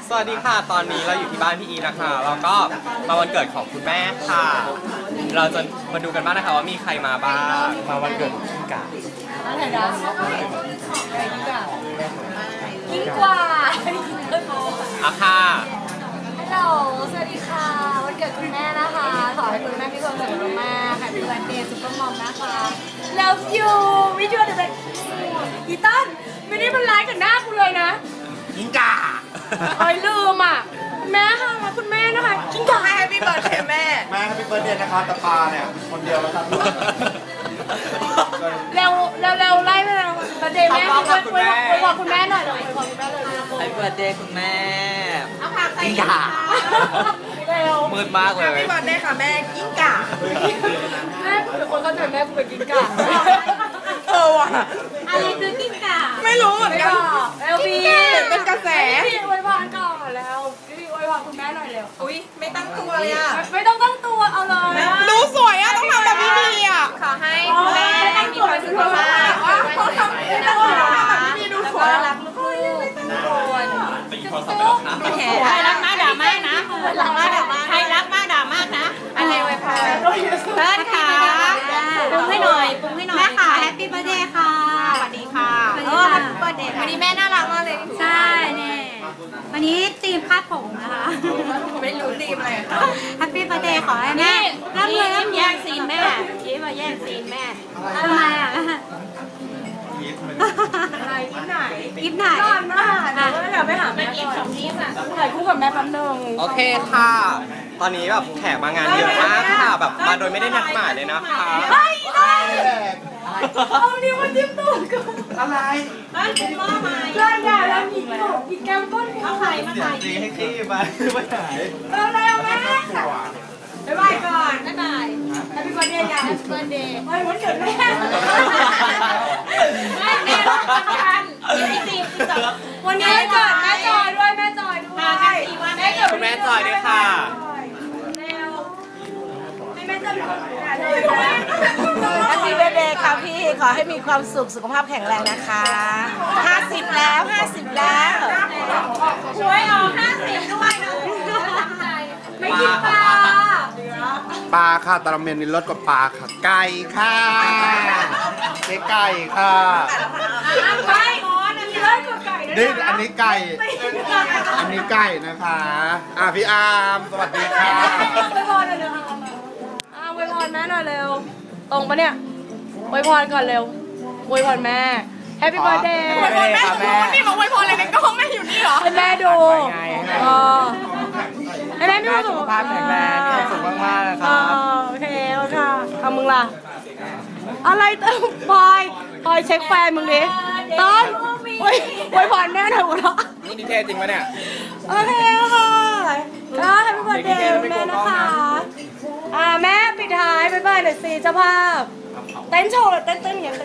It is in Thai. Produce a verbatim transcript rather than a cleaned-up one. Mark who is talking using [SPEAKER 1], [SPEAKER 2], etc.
[SPEAKER 1] สวัสดีค่ะตอนนี้เราอยู่ที่บ้านพี่อีนะคะแล้วก็มาวันเกิดของคุณแม่ค่ะ เราจะมาดูกันบ้างนะคะว่ามีใครมาบ้างมาวันเกิดของพี่กา
[SPEAKER 2] อะไรนะกิ้งก่ากิ้งกว่า
[SPEAKER 1] อ่ะค่ะ
[SPEAKER 2] ฮัลโหลสวัสดีค่ะวันเกิดคุณแม่นะคะขอให้คุณแม่มีความสุขมากๆ Happy Birthday ซุปเปอร์มอมนะคะ Love you วิจูเดอะเบสอีตันไม่ได้มันร้ายกับหน้ากูเลยนะ
[SPEAKER 1] กิ้งก่า
[SPEAKER 2] คอยลืมอ่ะแม่ค่ะคุณแม่นะคะกิ้งก่าให้ Happy Birthday แม่
[SPEAKER 3] แม่ Happy Birthday นะคะตาปาเนี่ยคนเดียวแล้วครับ
[SPEAKER 2] เร็วเร็วเร็วไล่ไปแล้วประเดย์แม่คุยคุยคุยบอกคุณแม่หน่อยเลยคุยบอกคุณแม่เลย
[SPEAKER 1] ไอ้เบิร์ดเดย์คุณแม่
[SPEAKER 2] กิ้งก่าเร็ว
[SPEAKER 1] มืดมากเลย
[SPEAKER 2] พี่บอลได้ค่ะแม่กิ้งก่าแม่เดี๋ยวคนเข้าใจแม่กูเป็นกิ้งก่าเออว่ะอะไรคือกิ้งก่าไม่รู้เหมือนกันเอลบีเป็นกระแสพี่อวยพรก่อนแล้วพี่อวยพรคุณแม่หน่อยเร็วอุ้ยไม่ตั้งตัวเลยอ่ะไม่ต้องตั้งตัวเอาเลย
[SPEAKER 4] ดูสวยอ่ะต้องทำแบบนี้ดีอ่ะ
[SPEAKER 2] ขอให้คุณแม่มีความสุขมากเขาทำไม่ต้องทำแบบนี้ดูสวยรักลูกทุกคน
[SPEAKER 4] ใครรักมากด่ามากนะ
[SPEAKER 2] รักมากด่ามาก
[SPEAKER 4] ใครรักมากด่ามากนะ
[SPEAKER 2] อะไรไว้พอ
[SPEAKER 4] เพื่อนค่ะปรุงให้หน่อยปรุงให้หน่อยแม่ค่ะแฮปปี้เบิร์ดเดย์ค่ะสวัสดีค่ะ
[SPEAKER 2] เออแฮปปี้เบิร์ดเดย์วันนี้แม่น่ารักมากเลย
[SPEAKER 4] ใช่เนี่ยวันนี้ธีมคาดผมนะคะ
[SPEAKER 2] ไม่รู้ธีมอะไร
[SPEAKER 4] แฮปปี้เบิร์ดเดย์ขอให้แม่ร่ำรวยร่ำแย่งซีนแม่ยิ้มมาแย่งซีนแม่ทำไมอ่ะ
[SPEAKER 2] อะไรยิ้มไหน
[SPEAKER 4] ยิ้มไหน
[SPEAKER 2] นอนมากเดี๋ยวอยากไปหาแม่ก่อนยิ้มอ่ะถ่ายคู่กับแม่แป๊บนึง
[SPEAKER 1] โอเคค่ะตอนนี้แบบแขกมางานเยอะมากค่ะแบบมาโดยไม่ได้นัดหมายเลยนะคะ
[SPEAKER 2] เฮ้ยเอานิ้วมาจิ้มตูดก่อน
[SPEAKER 3] อะไร
[SPEAKER 4] บ้านเป็นหม้อไม้
[SPEAKER 2] เล่นใหญ่แล้วหยิบตูดหยิบแก้มก้น
[SPEAKER 4] เอาไข่มาใส่
[SPEAKER 3] ดีให้ขี้มาไม่หาย
[SPEAKER 2] เร็วเร็วแม่บ๊ายบายก่อนบ๊ายบายแฮปปี้เบิร์ดเดย์จ้าแฮปปี้เบิร์ดเดย์เฮ้ยวันเกิดแม่แม่แม่รักกันวันนี้เกิดแม่จอยด้วยแม่จอยด้วย
[SPEAKER 1] แม่เกิดคุณแม่จอยด้วยค่ะ
[SPEAKER 2] เร็วให้แม่จอยเป็นคนงานเลย
[SPEAKER 5] แฮปปี้เบิร์ดเดย์ค่ะพี่ขอให้มีความสุขสุขภาพแข็งแรงนะคะห้าสิบแล้วห้าสิบแล้ว
[SPEAKER 2] ช่วยเอาห้าสิบด้วยนะไม่กินปลา
[SPEAKER 3] ปลาค่ะตะเมนนี่รสกว่าปลาค่ะไก่ค่ะเจ๊ไก่ค่ะ
[SPEAKER 2] ไม่มีเลิศกว่าไก่
[SPEAKER 3] นี่อันนี้ไก่อันนี้ไก่นะคะอ่ะพี่อาร์มสวัสดีค่ะ
[SPEAKER 2] ไปพรหน่อยเร็วอ่ะไปพรแม่หน่อยเร็วตรงปะเนี่ยไปพรก่อนเร็วไปพรแม่แฮปปี้เบิร์ดเดย์
[SPEAKER 4] ไปพรแม่พี่มาไว้พรอะไรในกล้องแม่อยู่นี่เหรอ
[SPEAKER 2] ให้แม่ดูอ๋อให้แม่ดู
[SPEAKER 1] สุขภาพแข็งแรงมีความสุขมากๆนะครับ
[SPEAKER 2] โอเคโอเคทำมึงล่ะอะไรเติมพลอยพลอยเช็คแฟนมึงดิต้นไว้พรแม่หน่อยหัวเราะ
[SPEAKER 1] นี่ดีเทลจริงปะเนี่ย
[SPEAKER 2] โอเคค่ะก็แฮปปี้เบิร์ดเดย์แม่นะคะอ่าแม่ปิดท้ายบ๊ายบายหน่อยสิเจ้าภาพเต้นโชว์เต้นเต้นอย่างเต้น